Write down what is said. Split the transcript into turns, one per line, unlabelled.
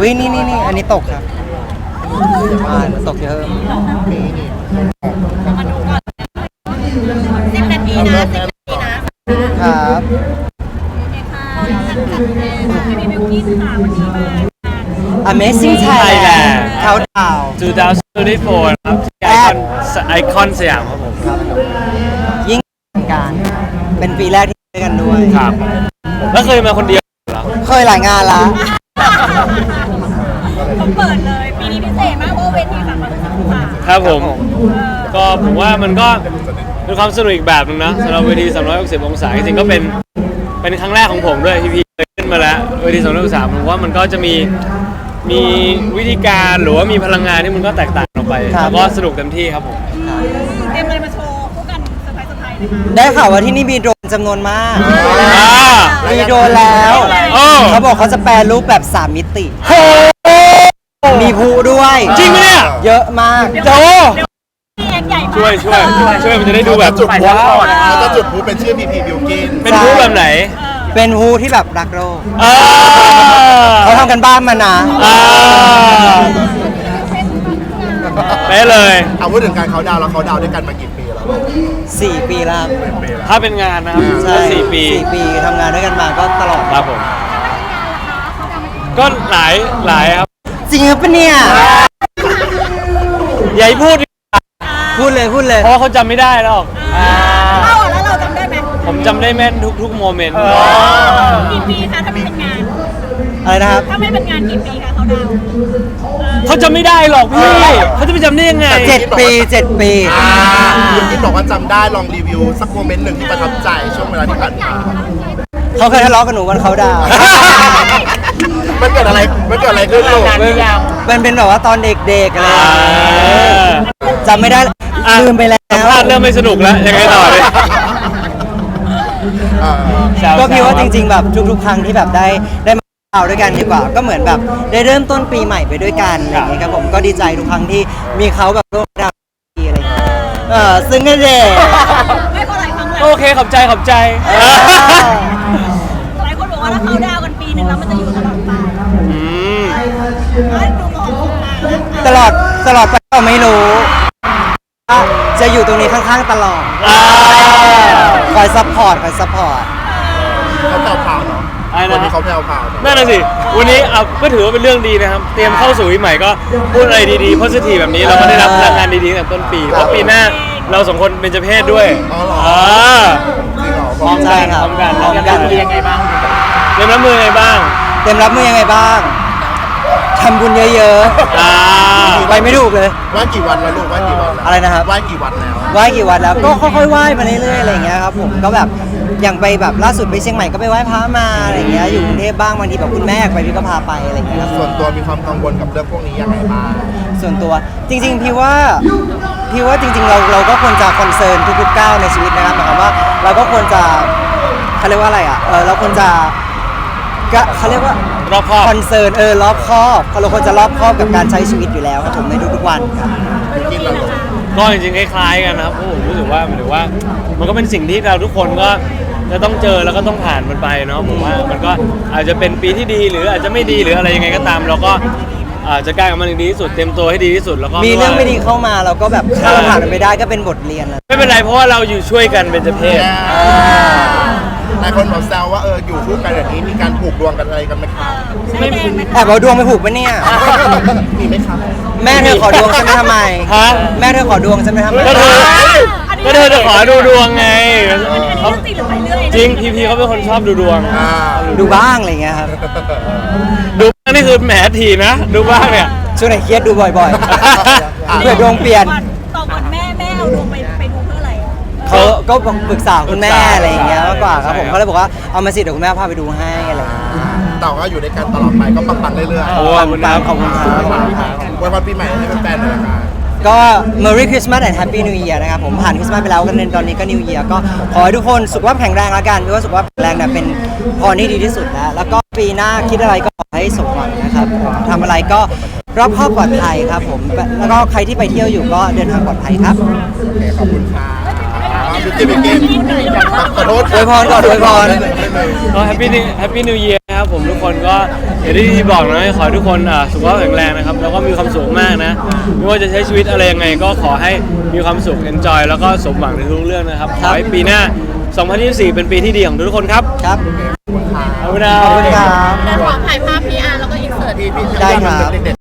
อุ้ยนี่อันนี้ตกครับตกเยอะ
มาดูก่อน10 นาทีนะ10 นาทีนะครับ โอเคค่ะพี่บิวกิ้นค่ะวันนี้มา
Amazing Thailand เขาดาว
2024 ครับที่ไอคอนสยามครับผม
ยิ่งการเป็นปีแรกที่ได้กันด้วย
ครับ แล้วเคยมาคนเดียวเหรอ
เคยหลายงานละ
เขาเปิดเลยปีนี้พิเศษมากเพราะเวทีฝั่งเราทั้งฝั่ง
ครับผม ก็ผมว่ามันก็เป็นความสนุกอีกแบบนึงนะสำหรับเวที360 องศาจริงๆก็เป็นครั้งแรกของผมด้วยที่พี่เคยขึ้นมาแล้วเวที360 องศาผมว่ามันก็จะมีวิธีการหรือว่ามีพลังงานที่มันก็แตกต่างออกไปแล้วก็สนุกเต็มที่ครับผม
เตรียมอะไรมาโชว์คู่กันเซอร์ไพรส์นะคะ
ได้ข่าวว่าที่นี่มีโดรนจำนวนมาก มีโดรนแล้ว
โอ้
เขาบอกเขาจะแปลรูปแบบ 3 มิติ มีภูด้วย
จริงไหมเนี่ย
เยอะมาก
โจ
พี่แอนใหญ่มาก
ช่วยมันจะได้ดูแบบ
จุดพลุ
ว้าว
เขาจะจุดพลุเป็นชื่อพีบิวกิน
เป็นรูปแบบไหน
เป็นภูที่แบบรักโลก
อ่า
เขาทำกันบ้านมานะ
ไปเลย
เอาพูดถึงการเขาดาวน์แล้วเขาดาวน์ด้วยกันมากี่ปีแล้ว
4 ปีแล้วครับ
ถ้าเป็นงานนะครับ
ใช่
ก็4 ปี
4 ปีทำงานด้วยกันมาก็ตลอด
ครับผม ก็หลายครับ
จริงหรือเปล่าเนี่ย
อย่าให้พูด
พูดเลย
เพราะว่าเขาจำไม่ได้หรอก
เราแล้วเราจำได้ไหม
ผมจำได้แม่นทุกโมเมนต์
กี่ปีคะถ้าไม่เป็นงาน
อะไรนะครับ
ถ้าไม่เป็นงานกี่ปีคะเขาดาวน์
เขาจำไม่ได้หรอกพี่เขาจะไปจำได้ยังไง
7 ปี 7 ปี
บิวกินบอกว่าจำได้ลองรีวิวสักโมเมนต์หนึ่งที่ประทับใจช่วงเวลาที่ผ่านมา
เขาเคยทะเลาะกับหนูวันเขาดาวน์
มันเกิดอะไรขึ้นลูก
มันเป็นแบบว่าตอนเด็กๆอะไรอย่างเงี้ยจำไม่ได้ลืมไปแล้ว
สัมภาษณ์เริ่มไม่สนุกแล้วยังไงต่อเลย
ก็พี่ว่าจริงๆแบบทุกๆครั้งที่แบบได้มาเอาด้วยกันดีกว่า ก็เหมือนแบบได้เริ่มต้นปีใหม่ไปด้วยกันอะไรอย่างเงี้ยครับผมก็ดีใจทุกครั้งที่มีเขาแบบร่วมดาวน์อะไรอย่างเงี้ยซึ่งก็เด็ก
ไม่เพราะหลายครั้งเลย
โอเคขอบใจ
หลายคนบอกว่าถ้าเขาดาวน์กันปีหนึ่งแล้วมันจะอยู่ตลอดไป
อืม
ดูมองตรงกลางแล้ว
ตลอดไปก็ไม่รู้ว่าจะอยู่ตรงนี้ข้างๆตลอดคอยซัพพอร์ต
เขาแผ่วพราวเนาะ
อะไรนะ
วันนี้เขาแผ่วพราวเนอะ
นั่นน่ะสิ วันนี้ก็ถือว่าเป็นเรื่องดีนะครับ เตรียมเข้าสู่ปีใหม่ก็พูดอะไรดีๆ positive แบบนี้เราก็ได้รับพลังงานดีๆตั้งแต่ต้นปีเพราะปีหน้าเราสองคนเป็นเจ้าเพศด้วย
อ๋อเหรอ จริงเหรอ
พร้อม
ใช่
กัน
ครับ
พร้อมกัน
พร้อมกัน
ยังไงบ้างเตรียมรับมือยังไงบ้าง
เตรียมรับมือยังไงบ้างทำบุญเยอะ
อ่า
ๆไปไม่ถูกเลย
ไหว้กี่วันแล้วลูกไหว้กี่วันแล้ว
อะไรนะครับ
ไหว้กี่วันแล้ว
ไหว้กี่วันแล้วก็ค่อยๆไหว้มาเรื่อยๆอะไรอย่างเงี้ยครับผมก็แบบอย่างไปแบบล่าสุดไปเชียงใหม่ก็ไปไหว้พระมาอะไรอย่างเงี้ยอยู่กรุงเทพบ้างบางทีแบบคุณแม่อยากไปพี่ก็พาไปอะไรอย่างเงี้ยครับ
ส่วนตัวมีความกังวลกับเรื่องพวกนี้ยังไงบ้าง
ส่วนตัวจริงๆพี่ว่าจริงๆเราก็ควรจะคอนเซิร์นทุกๆก้าวในชีวิตนะครับหมายความว่าเราก็ควรจะเขาเรียกว่าอะไรอ่ะเราควรจะก็เขาเรียกว่าร
อบคอบ
คอนเซิร์นรอบคอบเราควรจะรอบคอบกับการใช้ชีวิตอยู่แล้วครับผมในทุกๆวันครับ
กินแล้วลูก
ก็จริงๆคล้ายๆกันนะครับเพราะผมรู้สึกว่ามันก็เป็นสิ่งที่เราทุกคนก็จะต้องเจอแล้วก็ต้องผ่านมันไปเนาะผมว่ามันก็อาจจะเป็นปีที่ดีหรืออาจจะไม่ดีหรืออะไรยังไงก็ตาม เราก็จะกล้ากับมันให้ดีที่สุดเต็มตัวให้ดีที่สุดแล้วก็
มีเรื่องไม่ดีเข้ามาเราก็แบบข้ามผ่านมันไปได้ก็เป็นบทเรียนแล้ว
ไม่เป็นไรเพราะว่าเราอยู่ช่วยกันเป็นเจ้าเพศ
หลายคนบอกแซวว่าอยู่คู่กันแบบนี้มีการผูกดวงกันอะไรกันไหมครับ
ไม่มี
แอบเอาดวงไปผูกปะเนี่ย
มีไหมครับ
แม่เธอขอดวงฉันไปทำไม
ฮะ
แม่เธอขอดวงฉันไปทำไม
ก็เธอจะขอดูดวงไง
เรื่องจริงหรือไปเรื่อย
จริงพีเขาเป็นคนชอบดูดวง
ดูบ้างอะไรเงี้ยครับ
ดูบ้างนี่คือแหมทีนะ ดูบ้างเนี่ย
ช่วงไหนเครียดดูบ่อยๆ เพื่อดวงเปลี่ยน
ต่อก่อนแม่เอาดวงไปดูเพื่ออะไร
เขาก็ปรึกษาคุณแม่อะไรอย่างเงี้ยมากกว่าครับผมเขาเลยบอกว่าเอามาสิเดี๋ยวคุณแม่พาไปดูให้อะไรอย่างเงี้ย
แต่ก็อยู่ในการตลอดไปก็ปังๆเรื่อยๆ
โอ้ขอบคุณครับ
ขอบคุณครับ
วันวันปีใหม่ให้แฟนๆหน่อยนะครับ
ก็ Merry Christmas and Happy New Year นะครับผมผ่านคริสต์มาสไปแล้วกันตอนนี้ก็ New Year ก็ขอให้ทุกคนสุขภาพแข็งแรงละกันเพราะว่าสุขภาพแข็งแรงเนี่ยเป็นพรที่ดีที่สุดแล้วก็ปีหน้าคิดอะไรก็ขอให้สมหวังนะครับทำอะไรก็รอบคอบปลอดภัยครับผมแล้วก็ใครที่ไปเที่ยวอยู่ก็เดินทางปลอดภัยครับ
ขอบคุณค่ะบิวกินขอโทษ
อวยพรก่อนอวยพร
ก็แฮปปี้นิวเยียร์ครับนะครับผมทุกคนก็อย่างที่บอกนะขอให้ทุกคนสุขภาพแข็งแรงนะครับแล้วก็มีความสุขมากนะไม่ว่าจะใช้ชีวิตอะไรยังไงก็ขอให้มีความสุข enjoy แล้วก็สมหวังในทุกเรื่องนะครับขอให้ปีหน้า 2024 เป็นปีที่ดีของทุกคนครับ
ครับ
ขอบคุณนะ
ขอบคุณครับ
เดี๋ยวขอถ่ายภาพพี่อาร์แล้วก็อินเสิร์ต
พี่
ได้ครับ
เด็กๆ